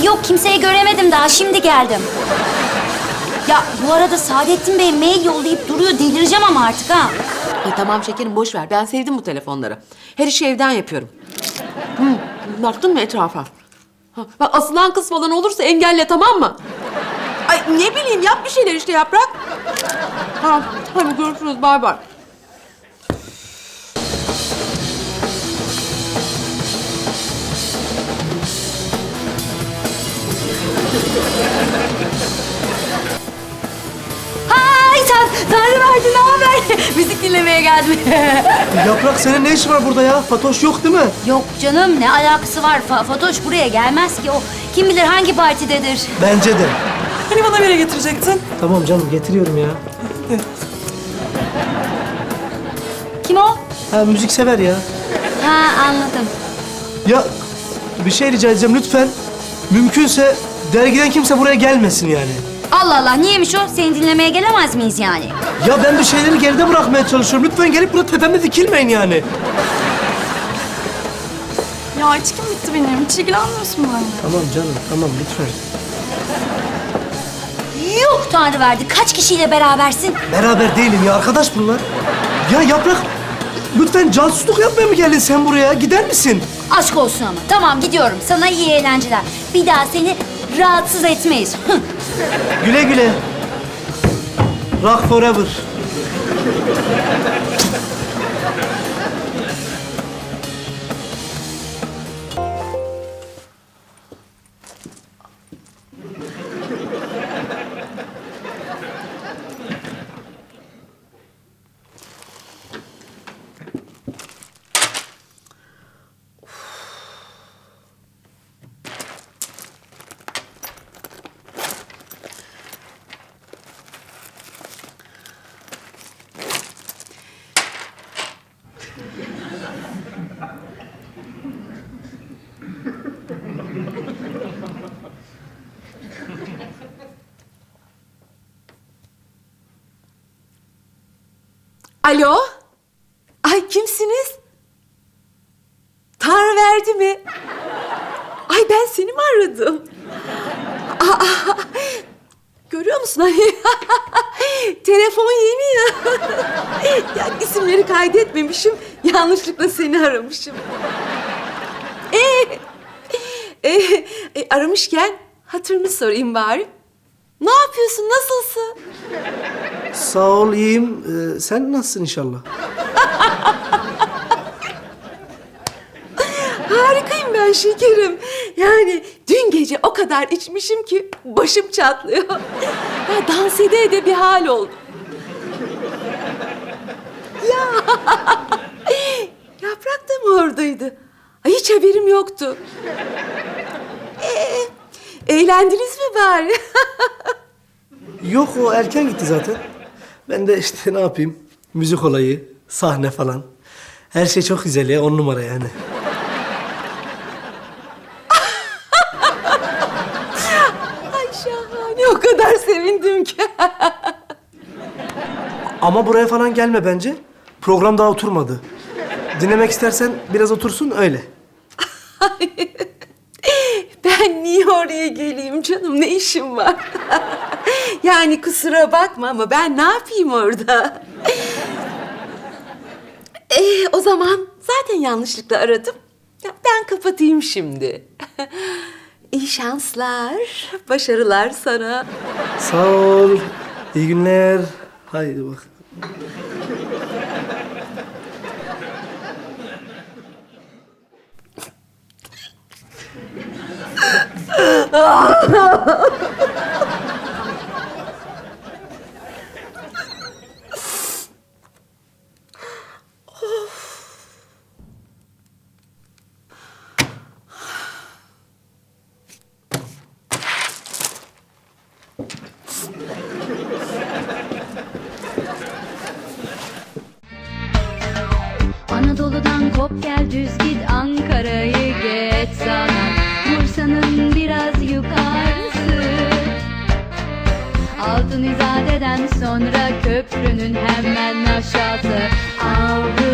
yok kimseyi göremedim daha şimdi geldim. Ya bu arada Saadettin Bey mail yollayıp duruyor delireceğim ama artık ha. Tamam şekerim boş ver. Ben sevdim bu telefonları. Her işi evden yapıyorum. Baktın mı etrafa? Bak asılan kız falan olursa engelle tamam mı? Ay ne bileyim yap bir şeyler işte Yaprak. Tamam hadi görüşürüz bay bay. Hay Tanrı verdi ne haber? Müzik dinlemeye geldim. Yaprak senin ne işin var burada ya? Fatoş yok değil mi? Yok canım ne alakası var? Fatoş buraya gelmez ki o. Kim bilir hangi partidedir? Bence de. Hani bana bire getirecektin? Tamam canım getiriyorum ya. Kim o? Ha müzik sever ya. Ha anladım. Ya bir şey rica edeceğim lütfen. Mümkünse dergiden kimse buraya gelmesin yani. Allah Allah niyeymiş o? Seni dinlemeye gelemez miyiz yani? Ya ben bir şeyleri geride bırakmaya çalışıyorum. Lütfen gelip burada tepemde dikilmeyin yani. Ya içkim bitti benim. Hiç ilgilenmiyorsun benimle. Tamam canım tamam lütfen. Yuh Tanrı verdi. Kaç kişiyle berabersin? Beraber değilim ya arkadaş bunlar. Ya Yaprak lütfen casusluk yapmaya mı geldin sen buraya? Gider misin? Aşk olsun ama. Tamam gidiyorum. Sana iyi eğlenceler. Bir daha seni rahatsız etmeyiz. Güle güle. Rock forever. Alo? Ay kimsiniz? Tanrı verdi mi? Ay ben seni mi aradım? Aa, görüyor musun hani? Telefon yeni ya. Ya isimleri kaydetmemişim. Yanlışlıkla seni aramışım. Aramışken hatırını sorayım bari. Ne yapıyorsun? Nasılsın? Sağ ol iyiyim. Sen nasılsın inşallah? Harikayım ben şekerim. Yani dün gece o kadar içmişim ki başım çatlıyor. Ya dans ede ede bir hal oldu. Ya Yaprak da mı oradaydı? Ay hiç haberim yoktu. Eğlendiniz mi bari? Yok o erken gitti zaten. Ben de işte ne yapayım? Müzik olayı, sahne falan. Her şey çok güzel ya, 10 numara yani. Ay şahane, o kadar sevindim ki. Ama buraya falan gelme bence. Program daha oturmadı. Dinlemek istersen biraz otursun öyle. Ben niye oraya geleyim canım? Ne işim var? Yani kusura bakma ama ben ne yapayım orada? O zaman zaten yanlışlıkla aradım. Ya ben kapatayım şimdi. İyi şanslar, başarılar sana. Sağ ol. İyi günler. Haydi bak. Anadolu'dan kop gel düz git Ankara'yı geç sana Bursa'nın biraz yukarısı Altın İzade'den sonra köprünün hemen aşağısı Avrupa